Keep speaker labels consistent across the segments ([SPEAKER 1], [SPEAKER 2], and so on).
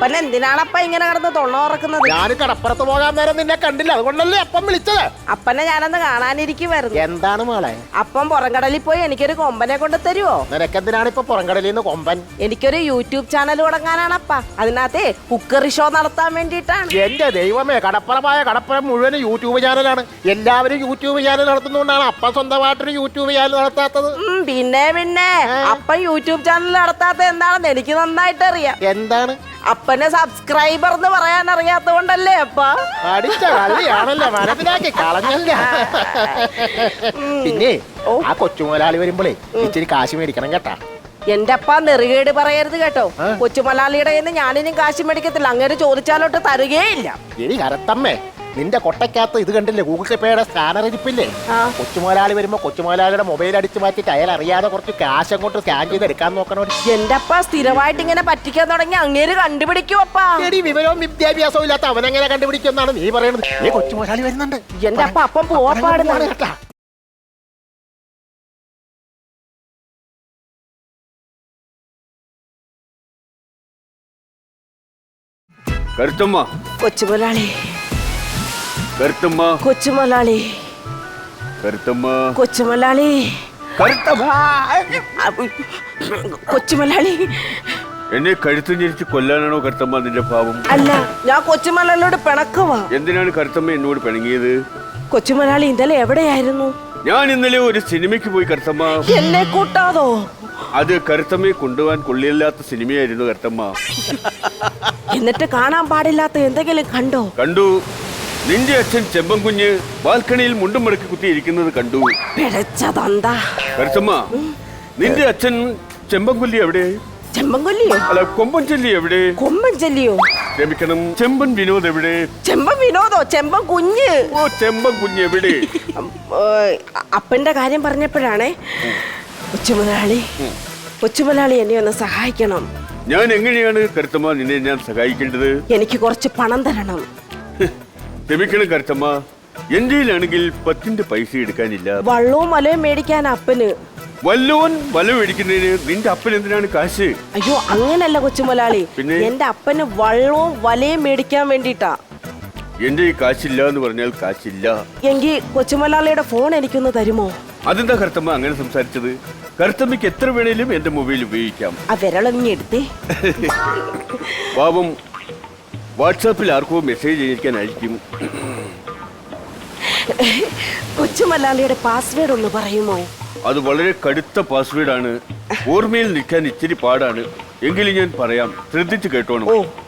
[SPEAKER 1] അപ്പൻ എന്തിനാണപ്പ ഇങ്ങനെ കിടന്ന് തൊണ്ണ ഉറക്കുന്നത്?
[SPEAKER 2] ഞാൻ കടപ്പുറത്ത് പോകാൻ നേരം നിന്നെ കണ്ടില്ല, അതുകൊണ്ടല്ലേ അപ്പം വിളിച്ചത്.
[SPEAKER 1] അപ്പനെ ഞാനന്ന് കാണാനിരിക്കുമായിരുന്നു.
[SPEAKER 2] എന്താണ് മോളെ?
[SPEAKER 1] അപ്പം പുറംകടലിൽ പോയി എനിക്കൊരു കൊമ്പനെ കൊണ്ട് തരുവോ?
[SPEAKER 2] നിനക്കെന്തിനാണ് ഇപ്പൊ പുറംകടലിൽ നിന്ന് കൊമ്പൻ?
[SPEAKER 1] എനിക്കൊരു യൂട്യൂബ് ചാനൽ തുടങ്ങാനാണപ്പ. അതിനകത്തെ കുക്കറി ഷോ നടത്താൻ വേണ്ടിയിട്ടാണ്.
[SPEAKER 2] എന്റെ ദൈവമേ, കടപ്പുറം മുഴുവൻ യൂട്യൂബ് ചാനലാണ്. എല്ലാവരും യൂട്യൂബ് ചാനൽ നടത്തുന്നതുകൊണ്ടാണ് അപ്പ സ്വന്തമായിട്ടൊരു യൂട്യൂബ് ചാനൽ നടത്താത്തത്.
[SPEAKER 1] പിന്നെ അപ്പൻ യൂട്യൂബ് ചാനൽ നടത്താത്ത എന്താണെന്ന് എനിക്ക് നന്നായിട്ട് അറിയാം.
[SPEAKER 2] എന്താണ്?
[SPEAKER 1] അപ്പനെ സബ്സ്ക്രൈബർ എന്ന് പറയാൻ അറിയാത്തോണ്ടല്ലേ അപ്പ?
[SPEAKER 2] അടിച്ച കളിയാണല്ലോ, മനസ്സിലാക്കി കളഞ്ഞല്ല. പിന്നെ ആ കൊച്ചുമുതലാളി വരുമ്പോഴേ ഇച്ചിരി കാശ് മേടിക്കണം കേട്ടാ.
[SPEAKER 1] എന്റെ അപ്പ നെറുകേട് പറയരുത് കേട്ടോ. കൊച്ചുമലയാളിയുടെ കയ്യിൽ നിന്ന് ഞാനിനും കാശ് മേടിക്കത്തില്ല. അങ്ങനെ ചോദിച്ചാലോട്ട് തരുകയില്ല.
[SPEAKER 2] എടി കരത്തമ്മേ, നിന്റെ കൊട്ടയ്ക്കകത്ത് ഇത് കണ്ടില്ലേ, ഗൂഗിൾ പേയുടെ സ്കാനർ ഇരിപ്പില്ലേ? കൊച്ചുമുതലാളി വരുമ്പോ കൊച്ചുമുതലാളിയുടെ മൊബൈൽ അടിച്ചു മാറ്റിട്ട് അയാൾ അറിയാതെ കുറച്ച് കാശ് അങ്ങോട്ട് സ്കാൻ ചെയ്ത് എടുക്കാൻ നോക്കണോ.
[SPEAKER 1] എന്റെ അപ്പ സ്ഥിരമായിട്ട് ഇങ്ങനെ പറ്റിക്കാൻ തുടങ്ങി അങ്ങേര് കണ്ടുപിടിക്കും അപ്പാ.
[SPEAKER 2] എടി വിവരവും വിദ്യാഭ്യാസവും ഇല്ലാത്ത അവനെങ്ങനെ കണ്ടുപിടിക്കുമെന്നാണ് നീ പറയുന്നത്. കൊച്ചുമുതലാളി വരുന്നുണ്ട്.
[SPEAKER 1] എന്റെ അപ്പ അപ്പം പോവാപ്പാടുന്നാണ് കേട്ടാ.
[SPEAKER 3] കരുത്തമ്മ,
[SPEAKER 1] കൊച്ചുമുതലാളി,
[SPEAKER 3] കരുത്തമ്മ,
[SPEAKER 1] കൊച്ചുമുതലാളി,
[SPEAKER 3] കരുത്തമ്മ,
[SPEAKER 1] കൊച്ചുമുതലാളി, കൊച്ചുമുതലാളി.
[SPEAKER 3] എന്നെ കഴുത്ത് ഞെരിച്ച് കൊല്ലാനാണോ കരുത്തമ്മ നിന്റെ ഭാവം?
[SPEAKER 1] അല്ല, ഞാൻ കൊച്ചുമുതലാളിയോട് പിണക്കുവാ.
[SPEAKER 3] എന്തിനാണ് കരുത്തമ്മ എന്നോട് പിണങ്ങിയത്?
[SPEAKER 1] കൊച്ചുമുതലാളി ഇന്നലെ എവിടെയായിരുന്നു?
[SPEAKER 3] ഞാൻ ഇന്നലെ ഒരു സിനിമയ്ക്ക് പോയി കരുത്തമ്മ.
[SPEAKER 1] എന്നെ കൂട്ടാതോ?
[SPEAKER 3] അത് കരുത്തമ്മയെ കൊണ്ടുപോകാൻ കൊള്ളിയില്ലാത്ത സിനിമയായിരുന്നു കരുത്തമ്മ.
[SPEAKER 1] എന്നിട്ട് കാണാൻ പാടില്ലാത്ത എന്തെങ്കിലും കണ്ടോ?
[SPEAKER 3] കണ്ടു. നിന്റെ അച്ഛൻ ചെമ്പൻ കുഞ്ഞ് ബാൽക്കണിയിൽ മുണ്ടും മടക്കി കുത്തിയിരിക്കുന്നത് കണ്ടു.
[SPEAKER 1] പിഴച്ചതെന്താ
[SPEAKER 3] കരുത്തമ്മ, നിന്റെ അച്ഛൻ ചെമ്പൻ കൊല്ലി എവിടെ?
[SPEAKER 1] ചെമ്പൻ കൊല്ലിയോ?
[SPEAKER 3] അല്ല, കൊമ്പൻ ചെല്ലി എവിടെ?
[SPEAKER 1] കൊമ്പൻ ചെല്ലിയോ?
[SPEAKER 3] ക്ഷമിക്കണം, ചെമ്പൻ വിനോദ് എവിടെ?
[SPEAKER 1] ചെമ്പൻ വിനോദോ? ചെമ്പൻ കുഞ്ഞ്.
[SPEAKER 3] ഓ, ചെമ്പൻ കുഞ്ഞ് എവിടെ?
[SPEAKER 1] അപ്പന്റെ കാര്യം പറഞ്ഞപ്പോഴാണേ, കൊച്ചുമുതലാളി എന്നെ ഒന്ന് സഹായിക്കണം.
[SPEAKER 3] ഞാൻ എങ്ങനെയാണ് കരുത്തമ്മ നിന്നെ ഞാൻ സഹായിക്കേണ്ടത്?
[SPEAKER 1] എനിക്ക് കുറച്ച് പണം തരണം.
[SPEAKER 3] ക്ഷമിക്കണം കരുത്തമ്മ, എന്റെയിലാണെങ്കിൽ 10 പൈസ എടുക്കാനില്ല.
[SPEAKER 1] വള്ളവും വലയും മേടിക്കാൻ അപ്പന്.
[SPEAKER 3] വല്ലോൻ വല മേടിക്കുന്നതിന് നിന്റെ അപ്പൻ എന്തിനാണ് കാശ്?
[SPEAKER 1] അയ്യോ, അങ്ങനല്ല കൊച്ചുമുതലാളി.
[SPEAKER 3] പിന്നെ?
[SPEAKER 1] എന്റെ അപ്പന് വള്ളവും വലയും മേടിക്കാൻ വേണ്ടിട്ടാ.
[SPEAKER 3] എന്റെ ഈ കാശില്ല എന്ന് പറഞ്ഞാൽ കാശില്ല.
[SPEAKER 1] എങ്കിൽ കൊച്ചുമുതലാളിയുടെ ഫോൺ എനിക്കൊന്ന് തരുമോ?
[SPEAKER 3] അതെന്താ കരുത്തമ്മ അങ്ങനെ സംസാരിച്ചത്? കരുത്തമ്മയ്ക്ക് എത്ര വേണേലും എന്റെ മൊബൈൽ ഉപയോഗിക്കാം.
[SPEAKER 1] ആ വിരളൊങ്ങി എടുത്തേ.
[SPEAKER 3] പാവം വാട്സാപ്പിൽ ആർക്കോ മെസ്സേജ് അയക്കാനായിരിക്കും.
[SPEAKER 1] കൊച്ചുമുതലാളിയുടെ പാസ്വേഡ് ഒന്ന് പറയുമോ?
[SPEAKER 3] അത് വളരെ കടുത്ത പാസ്വേഡാണ്. ഓർമ്മയിൽ നിൽക്കാൻ ഇച്ചിരി പാടാണ്. എങ്കിലും ഞാൻ പറയാം, ശ്രദ്ധിച്ചു കേട്ടോണം.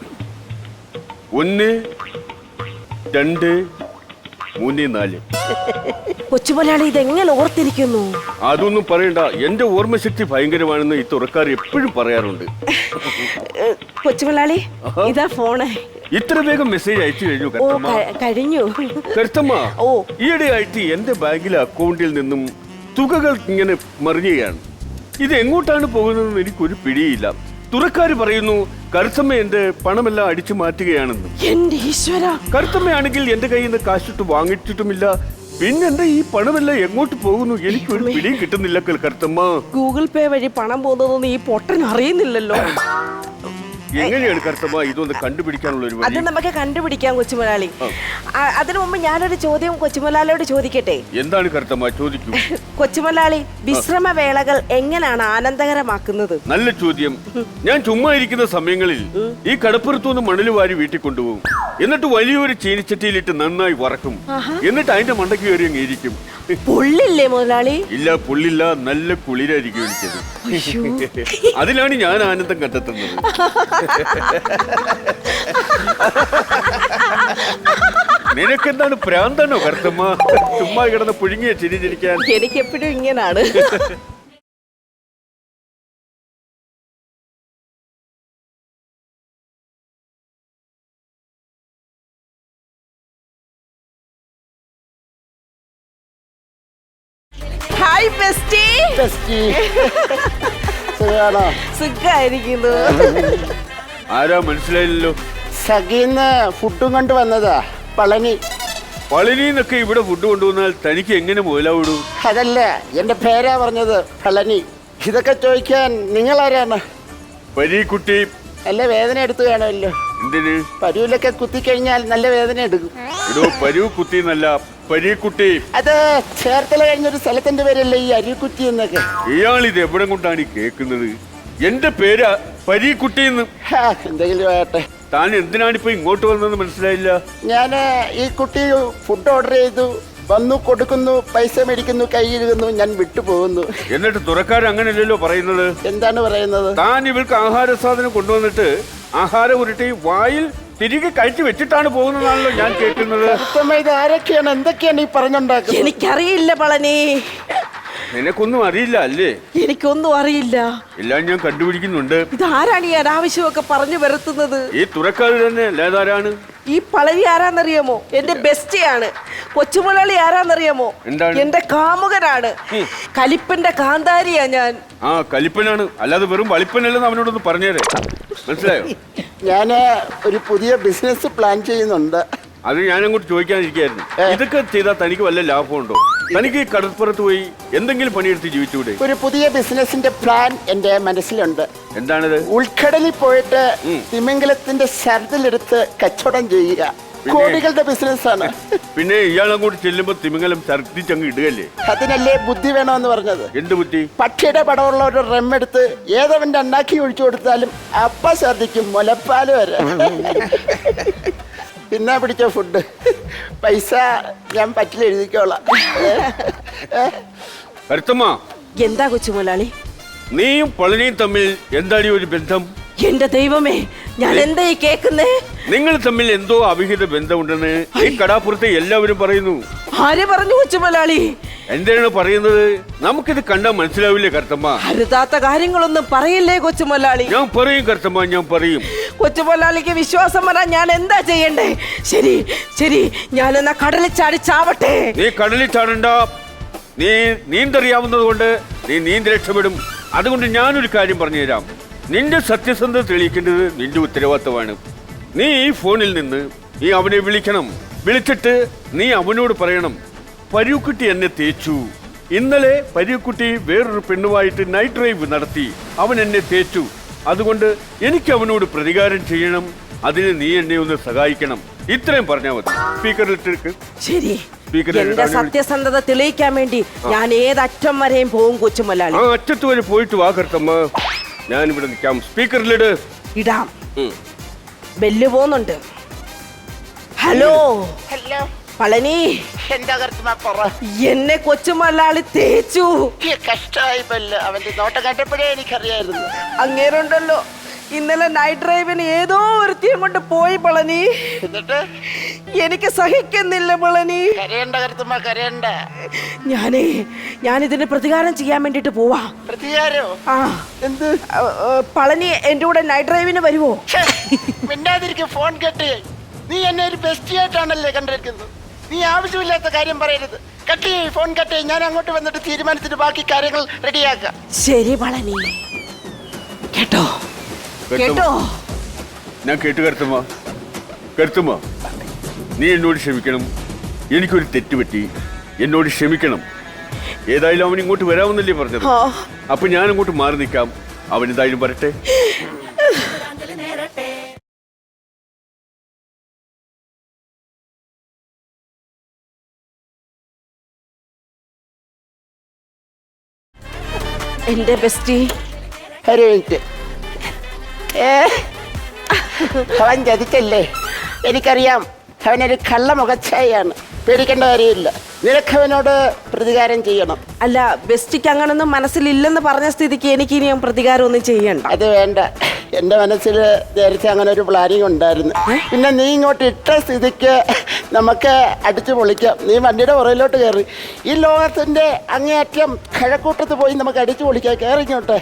[SPEAKER 3] 1 2 3 4.
[SPEAKER 1] കൊച്ചുമുതലാളി ഇതെങ്ങനെ ഓർത്തിരിക്കുന്നു?
[SPEAKER 3] അതൊന്നും പറയണ്ട, എന്റെ ഓർമ്മശക്തി ഭയങ്കരമാണെന്ന് ഈ തുറക്കാർ എപ്പോഴും പറയാറുണ്ട്.
[SPEAKER 1] കൊച്ചുമുതലാളി, ഇതാ ഫോണ്.
[SPEAKER 3] ഇത്ര വേഗം മെസ്സേജ് അയച്ചു കഴിഞ്ഞു കരുത്തമ്മ?
[SPEAKER 1] കഴിഞ്ഞു
[SPEAKER 3] കരുത്തമ്മ, ഈയിടെ ആയിട്ട് എന്റെ ബാങ്കിലെ അക്കൗണ്ടിൽ നിന്നും തുകകൾ ഇങ്ങനെ മറിയുകയാണ്. ഇത് എങ്ങോട്ടാണ് പോകുന്നതെന്ന് എനിക്കൊരു പിടിയില്ല. തുറക്കാര് പറയുന്നു കരുത്തമ്മ എന്റെ പണമെല്ലാം അടിച്ചു മാറ്റുകയാണെന്ന്.
[SPEAKER 1] എന്റെ ഈശ്വര!
[SPEAKER 3] കരുത്തമ്മയാണെങ്കിൽ എന്റെ കയ്യിൽ നിന്ന് കാശിട്ട് വാങ്ങിച്ചിട്ടുമില്ല. പിന്നെന്താ ഈ പണമെല്ലാം എങ്ങോട്ട് പോകുന്നു? എനിക്കൊരു പിടിയും കിട്ടുന്നില്ല കരുത്തമ്മ.
[SPEAKER 1] ഗൂഗിൾ പേ വഴി പണം പോകുന്നതൊന്നും ഈ പൊട്ടൻ അറിയുന്നില്ലല്ലോ.
[SPEAKER 3] എങ്ങനെയാണ് കരുത്തമ്മ ഇതൊന്ന് കണ്ടുപിടിക്കാനുള്ള ഒരു
[SPEAKER 1] അത് നമുക്ക് കണ്ടുപിടിക്കാം കൊച്ചുമുതലാളി. അതിനു മുമ്പ് ഞാനൊരു ചോദ്യം കൊച്ചുമുതലാളിയോട് ചോദിക്കട്ടെ?
[SPEAKER 3] എന്താണ് കരുത്തമ്മ? ചോദിക്കൂ.
[SPEAKER 1] കൊച്ചുമുതലാളി, വിശ്രമ വേളകൾ എങ്ങനെയാണ് ആനന്ദകരമാക്കുന്നത്?
[SPEAKER 3] നല്ല ചോദ്യം. ഞാൻ ചുമ്മാ ഇരിക്കുന്ന സമയങ്ങളിൽ ഈ കടപ്പുറത്തുനിന്ന് മണല് വാരി വീട്ടിൽ കൊണ്ടുപോകും. എന്നിട്ട് വലിയൊരു ചീനിച്ചട്ടിയിലിട്ട് നന്നായി വറക്കും. എന്നിട്ട് അതിന്റെ മണ്ടയ്ക്ക് കയറി അങ്ങ് ഇരിക്കും.
[SPEAKER 1] പൊള്ളില്ലേ മുതലാളി?
[SPEAKER 3] ഇല്ല, പൊള്ളില്ല. നല്ല കുളിരായിരിക്കും എനിക്കത്. അതിലാണ് ഞാൻ ആനന്ദം കണ്ടെത്തുന്നത്. നിനക്കെന്താണ്, പ്രാന്താണോ കരുത്തമ്മ? ചുമ്മാ കിടന്ന് പുഴുങ്ങിയ ചിരിച്ചിരിക്കാൻ.
[SPEAKER 1] എനിക്കെപ്പോഴും ഇങ്ങനാണ്. Hi bestie. സുഖായിരിക്കുന്നു.
[SPEAKER 3] ആരാ മനസ്സിലായില്ലല്ലോ?
[SPEAKER 2] സഖീന്ന് ഫുഡും കൊണ്ട് വന്നതാ. പളനി.
[SPEAKER 3] പളനിന്നൊക്കെ ഇവിടെ ഫുഡ് കൊണ്ടുവന്നാൽ തനിക്ക് എങ്ങനെ മുതലാവിടൂ?
[SPEAKER 2] അതല്ല, എന്റെ പേരാ പറഞ്ഞത്, പളനി. ഇതൊക്കെ ചോദിക്കാൻ നിങ്ങളാരാണ്?
[SPEAKER 3] പരീക്കുട്ടി,
[SPEAKER 4] നല്ല വേദന എടുത്തു വേണമല്ലോ.
[SPEAKER 3] എന്തിന്?
[SPEAKER 4] പരുവിലൊക്കെ കുത്തിക്കഴിഞ്ഞാൽ നല്ല വേദന എടുക്കും.
[SPEAKER 3] ഇടോ പരു കുത്തി എന്നല്ല, പരീക്കുട്ടി.
[SPEAKER 4] അത് ചേർത്തല കഴിഞ്ഞൊരു സ്ഥലത്തിന്റെ പേരല്ലേ ഈ അരിക്കുറ്റി എന്നൊക്കെ.
[SPEAKER 3] ഇയാൾ ഇത് എവിടെ കൊണ്ടാണ് ഈ കേൾക്കുന്നത്? എന്റെ പേര് പരീക്കുട്ടി എന്ന്.
[SPEAKER 4] എന്തെങ്കിലും ആകട്ടെ.
[SPEAKER 3] താൻ എന്തിനാണ് ഇപ്പൊ ഇങ്ങോട്ട് വന്നതെന്ന് മനസ്സിലായില്ല.
[SPEAKER 4] ഞാൻ ഈ കുട്ടി ഫുഡ് ഓർഡർ ചെയ്തു, വന്നു, കൊടുക്കുന്നു, പൈസ മേടിക്കുന്നു, കൈ കഴുകുന്നു, ഞാൻ വിട്ടുപോകുന്നു.
[SPEAKER 3] എന്നിട്ട് തുറക്കാരൻ അങ്ങനെയല്ലല്ലോ പറയുന്നത്.
[SPEAKER 4] എന്താണ് പറയുന്നത്?
[SPEAKER 3] താൻ ഇവർക്ക് ആഹാര സാധനം കൊണ്ടുവന്നിട്ട് ആഹാരം ഉരുട്ടി വായിൽ തിരികെ കഴിച്ചു വെച്ചിട്ടാണ് പോകുന്നതാണല്ലോ ഞാൻ കേൾക്കുന്നത്.
[SPEAKER 4] ഇത് ആരൊക്കെയാണ്, എന്തൊക്കെയാണ് ഈ പറഞ്ഞുണ്ടാക്കുന്നത്?
[SPEAKER 1] എനിക്കറിയില്ല പളനി.
[SPEAKER 3] നിനക്കൊന്നും അറിയില്ല അല്ലേ?
[SPEAKER 1] എനിക്കൊന്നും അറിയില്ല.
[SPEAKER 3] എല്ലാം ഞാൻ കണ്ടുപിടിക്കുന്നുണ്ട്.
[SPEAKER 1] ഇതാരാണ് ഈ അനാവശ്യമൊക്കെ പറഞ്ഞു വരുത്തുന്നത്?
[SPEAKER 3] ഈ തുറക്കാര് തന്നെ അല്ലാതാരാണ്?
[SPEAKER 1] ഈ പളനി ആരാന്നറിയാമോ? എന്റെ ബെസ്റ്റിയാണ്. കൊച്ചുമുളളി ആരാന്നറിയാമോ?
[SPEAKER 3] എന്താണ്?
[SPEAKER 1] എന്റെ കാമുകനാണ്. കലിപ്പന്റെ കാന്താരിയാ ഞാൻ.
[SPEAKER 3] ആ കലിപ്പനാണ്, അല്ലാതെ വെറും വളിപ്പനല്ലെന്ന് അവനോടൊന്ന് പറഞ്ഞേരെ. മനസ്സിലായോ?
[SPEAKER 4] ഞാൻ ഒരു പുതിയ ബിസിനസ് പ്ലാൻ ചെയ്യുന്നുണ്ട്.
[SPEAKER 3] അത് ഞാൻ അങ്ങോട്ട് ചോദിക്കാതിരിക്കായിരുന്നു. ഇതൊക്കെ ചെയ്താൽ തനിക്ക് വല്ല ലാഭമുണ്ടോ? തനിക്ക് കടൽപ്പുറത്ത് പോയി എന്തെങ്കിലും പണിയെടുത്ത് ജീവിച്ചുകൂടെ?
[SPEAKER 4] ഒരു പുതിയ ബിസിനസിന്റെ പ്ലാൻ എന്റെ മനസ്സിലുണ്ട്.
[SPEAKER 3] എന്താണത്?
[SPEAKER 4] ഉൾക്കടലിൽ പോയിട്ട് തിമിംഗലത്തിന്റെ ശരത്തിലെടുത്ത് കച്ചവടം ചെയ്യുക. കോടികളുടെ ബിസിനസ്സാണ്.
[SPEAKER 3] പിന്നെ ഇയാൾ അങ്ങോട്ട് ചെല്ലുമ്പോ തിമിംഗലം ഛർദ്ദിച്ചങ്ങ് ഇടുകല്ലേ?
[SPEAKER 4] അതിനല്ലേ ബുദ്ധി വേണമെന്ന് പറഞ്ഞത്.
[SPEAKER 3] എന്ത് ബുദ്ധി?
[SPEAKER 4] പക്ഷിയുടെ പടമുള്ള ഒരു റെമ്മെടുത്ത് ഏതവന്റെ അണ്ണാക്കി ഒഴിച്ചു കൊടുത്താലും അപ്പ ഛർദ്ദിക്കും, മുലപ്പാല് വരെ. പിന്നെ പിടിച്ച ഫുഡ് പൈസ ഞാൻ പറ്റിൽ എഴുതിക്കോളാം.
[SPEAKER 3] കരുത്തമ്മ,
[SPEAKER 1] എന്താ കൊച്ചുമുതലാളി?
[SPEAKER 3] നീയും പളനിയും തമ്മിൽ എന്താണ് ഒരു ബന്ധം?
[SPEAKER 1] എന്റെ ദൈവമേ, ഞാൻ എന്താ ഈ കേക്കുന്നേ?
[SPEAKER 3] നിങ്ങൾ തമ്മിൽ എന്തോ അവിഹിത ബന്ധമുണ്ടെന്ന് ഈ കടാപ്പുറത്തെ എല്ലാവരും പറയുന്നു.
[SPEAKER 1] ആര് പറഞ്ഞു കൊച്ചുമുതലാളി?
[SPEAKER 3] എന്താണ് പറയുന്നത്? നമുക്കിത് കണ്ടാൽ മനസ്സിലാവില്ലേ കരുത്തമ്മ?
[SPEAKER 1] അരുതാത്ത കാര്യങ്ങളൊന്നും പറയില്ലേ കൊച്ചുമുതലാളി?
[SPEAKER 3] ഞാൻ പറയും കരുത്തമ്മ, ഞാൻ പറയും.
[SPEAKER 1] കൊച്ചുമുതലാളിക്ക് വിശ്വാസം വരാൻ ഞാൻ എന്താ ചെയ്യണ്ടേ? ശരി ശരി, ഞാനെന്നാ കടലിൽ ചാടി ചാവട്ടെ.
[SPEAKER 3] നീ കടലിൽ ചാടണ്ട. നീ നീന്തറിയാവുന്നത് കൊണ്ട് നീ നീന്തി രക്ഷപ്പെടും. അതുകൊണ്ട് ഞാനൊരു കാര്യം പറഞ്ഞുതരാം. നിന്റെ സത്യസന്ധത തെളിയിക്കേണ്ടത് നിന്റെ ഉത്തരവാദിത്തമാണ്. നീ ഈ ഫോണിൽ നിന്ന് നീ അവനെ വിളിക്കണം. വിളിച്ചിട്ട് നീ അവനോട് പറയണം, പരുക്കുട്ടി എന്നെ തേച്ചു. ഇന്നലെ പരുക്കുട്ടി വേറൊരു പെണ്ണുമായിട്ട് നൈറ്റ് ഡ്രൈവ് നടത്തി. അവൻ എന്നെ തേച്ചു. അതുകൊണ്ട് എനിക്ക് അവനോട് പ്രതികാരം ചെയ്യണം. അതിന് നീ എന്നെ ഒന്ന് സഹായിക്കണം. ഇത്രയും പറഞ്ഞാൽ മതി. സ്പീക്കറിലിട്ട്
[SPEAKER 1] ശരി. എന്റെ സത്യസന്ധത തെളിയിക്കാൻ വേണ്ടി ഞാൻ ഏതറ്റം വരെയും പോകും കൊച്ചുമുതലാളി.
[SPEAKER 3] ആ അറ്റത്ത് വരെ പോയിട്ട് വാ കരുത്തമ്മ. ഞാനിവിടെ നിൽക്കാം. സ്പീക്കറിലിട്.
[SPEAKER 1] ഇടാം. ബെല്ല് പോകുന്നുണ്ട്. ഹലോ
[SPEAKER 4] ഹലോ
[SPEAKER 1] പളനി,
[SPEAKER 4] എന്താ കരുത്തുമാ പറ.
[SPEAKER 1] എന്നെ കൊച്ചുമുതലാളി തേച്ചു.
[SPEAKER 4] കഷ്ടമായി പല്ല്. അവന്റെ നോട്ടം കണ്ടപ്പോഴേ എനിക്കറിയായിരുന്നു.
[SPEAKER 1] അങ്ങേരുണ്ടല്ലോ, ഇന്നലെ നൈറ്റ് ഡ്രൈവിന് ഏതോ ഒരുത്തിയും കൊണ്ട് പോയി പളനി.
[SPEAKER 4] എന്നിട്ട്
[SPEAKER 1] എനിക്ക് സഹിക്കുന്നില്ല പളനി.
[SPEAKER 4] കരയണ്ട കരുത്തുമാ, കരയണ്ട.
[SPEAKER 1] ഞാനിതിന് പ്രതികാരം ചെയ്യാൻ വേണ്ടിട്ട് പോവാ.
[SPEAKER 4] പ്രതികാരോ?
[SPEAKER 1] ആ,
[SPEAKER 4] എന്ത്?
[SPEAKER 1] പളനി എന്റെ കൂടെ നൈറ്റ് ഡ്രൈവിന് വരുവോ?
[SPEAKER 4] മിണ്ടാതിരിക്കും. ഫോൺ കേട്ട്. നീ എന്നെ ഒരു ബെസ്റ്റിയായിട്ടാണല്ലേ കണ്ടിരിക്കുന്നത്. നീ ആവശ്യമില്ലാത്ത കാര്യം പറയരുത്. കട്ട് ചെയ്യ്, ഫോൺ കട്ട് ചെയ്യ്. ഞാൻ അങ്ങോട്ട് വന്നിട്ട് തീരുമാനത്തിന് ബാക്കി കാര്യങ്ങൾ റെഡിയാക്കാം.
[SPEAKER 1] ശരി പളനി. കേട്ടോ കേട്ടോ?
[SPEAKER 3] ഞാൻ കേട്ടു കരുത്തമ്മ. കരുത്തമ്മ, നീ എന്നോട് ക്ഷമിക്കണം. എനിക്കൊരു തെറ്റുപറ്റി. എന്നോട് ക്ഷമിക്കണം. ഏതായാലും അവൻ ഇങ്ങോട്ട് വരാമെന്നല്ലേ പറഞ്ഞത്. അപ്പൊ ഞാൻ അങ്ങോട്ട് മാറി നിൽക്കാം. അവൻ എന്തായാലും വരട്ടെ.
[SPEAKER 1] എന്റെ ബെസ്റ്റി.
[SPEAKER 4] ഒരു മിനിറ്റ്. അവൻ ചതിച്ചല്ലേ? എനിക്കറിയാം. അവനൊരു കള്ള മുഖച്ഛായാണ്. പേടിക്കേണ്ട കാര്യമില്ല. നിനക്കവനോട് പ്രതികാരം ചെയ്യണം.
[SPEAKER 1] അല്ല, ബെസ്റ്റിക്ക് അങ്ങനൊന്നും മനസ്സിലില്ലെന്ന് പറഞ്ഞ സ്ഥിതിക്ക് എനിക്ക് ഇനിയും പ്രതികാരം ഒന്നും ചെയ്യണ്ട.
[SPEAKER 4] അത് വേണ്ട. എൻ്റെ മനസ്സിൽ നേരത്തെ അങ്ങനെ ഒരു പ്ലാനിങ് ഉണ്ടായിരുന്നു. പിന്നെ നീ ഇങ്ങോട്ട് ഇട്ട സ്ഥിതിക്ക് നമുക്ക് അടിച്ചു പൊളിക്കാം. നീ വണ്ടിയുടെ പുറയിലോട്ട് കയറി. ഈ ലോകത്തിന്റെ അങ്ങേയറ്റം കിഴക്കൂട്ടത്ത് പോയി നമുക്ക് അടിച്ചു പൊളിക്കാം. കയറി ഇങ്ങോട്ട്.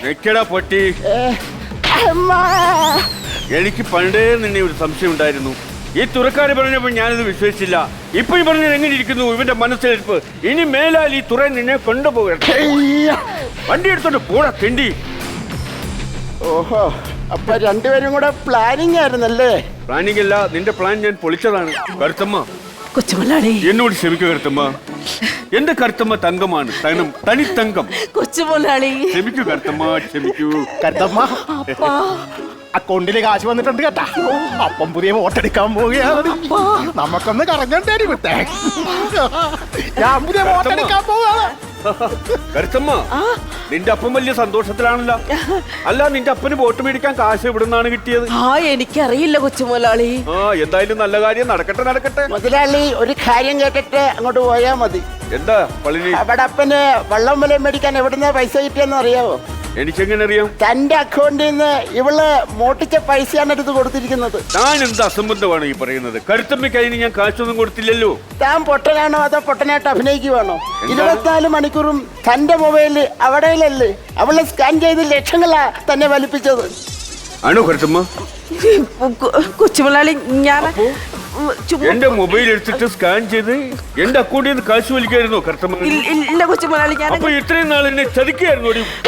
[SPEAKER 3] എനിക്ക് പണ്ടേ നിന്നെ ഒരു സംശയം ഉണ്ടായിരുന്നു. ഈ തുറക്കാര് പറഞ്ഞപ്പോൾ ഞാനിത് വിശ്വസിച്ചില്ല. ഇപ്പൊ ഈ പറഞ്ഞത് എങ്ങനെ ഇരിക്കുന്നു ഇവന്റെ മനസ്സിലിരിപ്പ്? ഇനി മേലാൽ ഈ തുറ നിന്നെ കൊണ്ടുപോകട്ടെ. വണ്ടി എടുത്തോണ്ട് പോടാ തെണ്ടി.
[SPEAKER 4] ഓഹോ, അപ്പൊ രണ്ടുപേരും കൂടെ പ്ലാനിങ് ആയിരുന്നല്ലേ?
[SPEAKER 3] പ്ലാനിങ് അല്ല, നിന്റെ പ്ലാൻ ഞാൻ പൊളിച്ചതാണ്. കരുത്തമ്മ,
[SPEAKER 1] കൊച്ചുമുതലാളി
[SPEAKER 3] എന്നോട് ക്ഷമിക്കുക കരുത്തമ്മ. എന്റെ കരുത്തമ്മ തങ്കമാണ്. തനി തങ്കം.
[SPEAKER 1] കൊച്ചുമുതലാളി
[SPEAKER 3] ക്ഷമിക്കൂ കരുത്തമ്മ, ക്ഷമിക്കൂ.
[SPEAKER 2] കരുത്തമ്മ, അക്കൗണ്ടില് കാശ് വന്നിട്ടുണ്ട് കേട്ടാ. അപ്പം പുതിയ വോട്ടെടുക്കാൻ പോവുകയാണ്. നമുക്കൊന്ന് കറങ്ങണ്ടേരി വിട്ടേ. ഞാൻ പുതിയ വോട്ടെടുക്കാൻ പോവാണ്.
[SPEAKER 3] കരുത്തമ്മ, നിന്റെ അപ്പം വലിയ സന്തോഷത്തിലാണല്ലോ. അല്ല, നിന്റെ അപ്പന് വോട്ട് മേടിക്കാൻ കാശ് എവിടെ നിന്നാണ് കിട്ടിയത്?
[SPEAKER 1] എനിക്കറിയില്ല കൊച്ചുമുതലാളി.
[SPEAKER 3] എന്തായാലും നല്ല കാര്യം നടക്കട്ടെ.
[SPEAKER 4] മുതലാളി, ഒരു കാര്യം കേട്ടിട്ട് അങ്ങോട്ട് പോയാ മതി.
[SPEAKER 3] എന്താ പളിനി?
[SPEAKER 4] അവിടെ അപ്പന് വള്ളം വില മേടിക്കാൻ എവിടുന്ന പൈസ കിട്ടിയെന്ന് അറിയാവോ?
[SPEAKER 3] എനിക്കെങ്ങനെ അറിയാം?
[SPEAKER 4] തന്റെ അക്കൗണ്ടിൽ നിന്ന് ഇവള് മോട്ടിച്ച പൈസയാണ് എടുത്ത് കൊടുത്തിരിക്കുന്നത്.
[SPEAKER 3] ഞാൻ എന്ത് അസംബന്ധമാണ് ഈ പറയുന്നത്? കരുത്തമ്മയ്ക്ക് അതിന് ഞാൻ കാശൊന്നും കൊടുത്തില്ലല്ലോ.
[SPEAKER 4] താൻ പൊട്ടനാണോ അതോ പൊട്ടനായിട്ട് അഭിനയിക്കുവാണോ? 24 മണിക്കൂറും തന്റെ മൊബൈലില് അവിടെയല്ലേ അവളെ സ്കാൻ ചെയ്ത് ലക്ഷങ്ങളാ തന്നെ വലിപ്പിച്ചത്.
[SPEAKER 3] ആണോ കരുത്തമ്മ?
[SPEAKER 1] കൊച്ചുമുതലാളി, ഞാൻ
[SPEAKER 3] എന്റെ മൊബൈൽ എടുത്തിട്ട് സ്കാൻ ചെയ്ത് എന്റെ അക്കൗണ്ടിൽ നിന്ന് കാശ് വലിക്കായിരുന്നോ കരുത്തമ്മ?
[SPEAKER 1] ഇല്ല കൊച്ചുമുതലാളി, ഞാൻ
[SPEAKER 3] അപ്പൊ ഇത്രയും നാൾ എന്നെ ചതിക്കായിരുന്നു.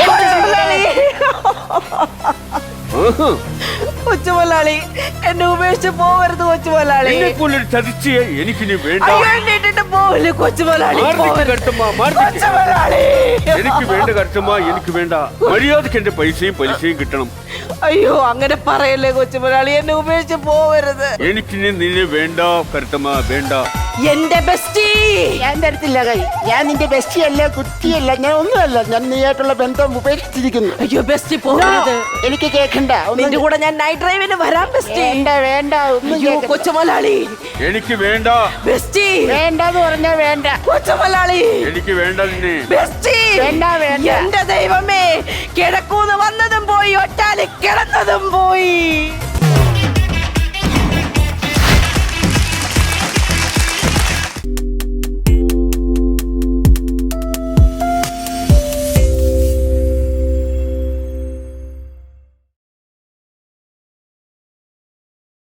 [SPEAKER 1] കൊച്ചുമുതലാളി, എന്നെ ഉപേക്ഷിച്ച് പോവരുത് കൊച്ചുമുതലാളി.
[SPEAKER 3] എന്നെപ്പോലൊരു ചതിച്ചേ എനിക്കിനി വേണ്ട.
[SPEAKER 1] പോവല്ലേ കൊച്ചുമുതലാളി.
[SPEAKER 3] എനിക്ക് വേണ്ട കരുത്തമ്മ, എനിക്ക് വേണ്ട. മര്യാദക്ക് എന്റെ പൈസയും പലിശയും കിട്ടണം.
[SPEAKER 1] അയ്യോ, അങ്ങനെ പറയല്ലേ കൊച്ചുമുതലാളി, എന്നെ ഉപേക്ഷിച്ച് പോവരുത്.
[SPEAKER 3] എനിക്കിനി നിന്നെ വേണ്ട കരുത്തമ്മ, വേണ്ട.
[SPEAKER 1] എന്റെ ബെസ്റ്റി
[SPEAKER 4] ഞാൻ തരത്തില്ല കൈ. ഞാൻ നിന്റെ ബെസ്റ്റിയല്ല, കുറ്റിയല്ല, ഞാൻ ഒന്നുമല്ല. ഞാൻ നീയായിട്ടുള്ള ബന്ധം ഉപേക്ഷിച്ചിരിക്കുന്നു.
[SPEAKER 1] അയ്യോ ബെസ്റ്റി, പോവരുത്.
[SPEAKER 4] എനിക്ക് കേൾക്കണ്ട.
[SPEAKER 1] നിന്റെ കൂടെ ഞാൻ നൈറ്റ് ഡ്രൈവിന് വരാം ബെസ്റ്റി.
[SPEAKER 4] വേണ്ട ഒന്നും
[SPEAKER 1] അയ്യോ കൊച്ചുമുതലാളി,
[SPEAKER 3] എനിക്ക് വേണ്ട
[SPEAKER 1] ബെസ്റ്റി.
[SPEAKER 4] വേണ്ടെന്ന് പറഞ്ഞാ വേണ്ട.
[SPEAKER 1] കൊച്ചുമുതലാളി,
[SPEAKER 3] എനിക്ക് വേണ്ട നിന്നെ.
[SPEAKER 1] ബെസ്റ്റി.
[SPEAKER 4] വേണ്ട.
[SPEAKER 1] എന്റെ ദൈവമേ, കിടക്കൂന്ന് വന്നതും പോയി, ഒറ്റാല് കിടന്നതും പോയി.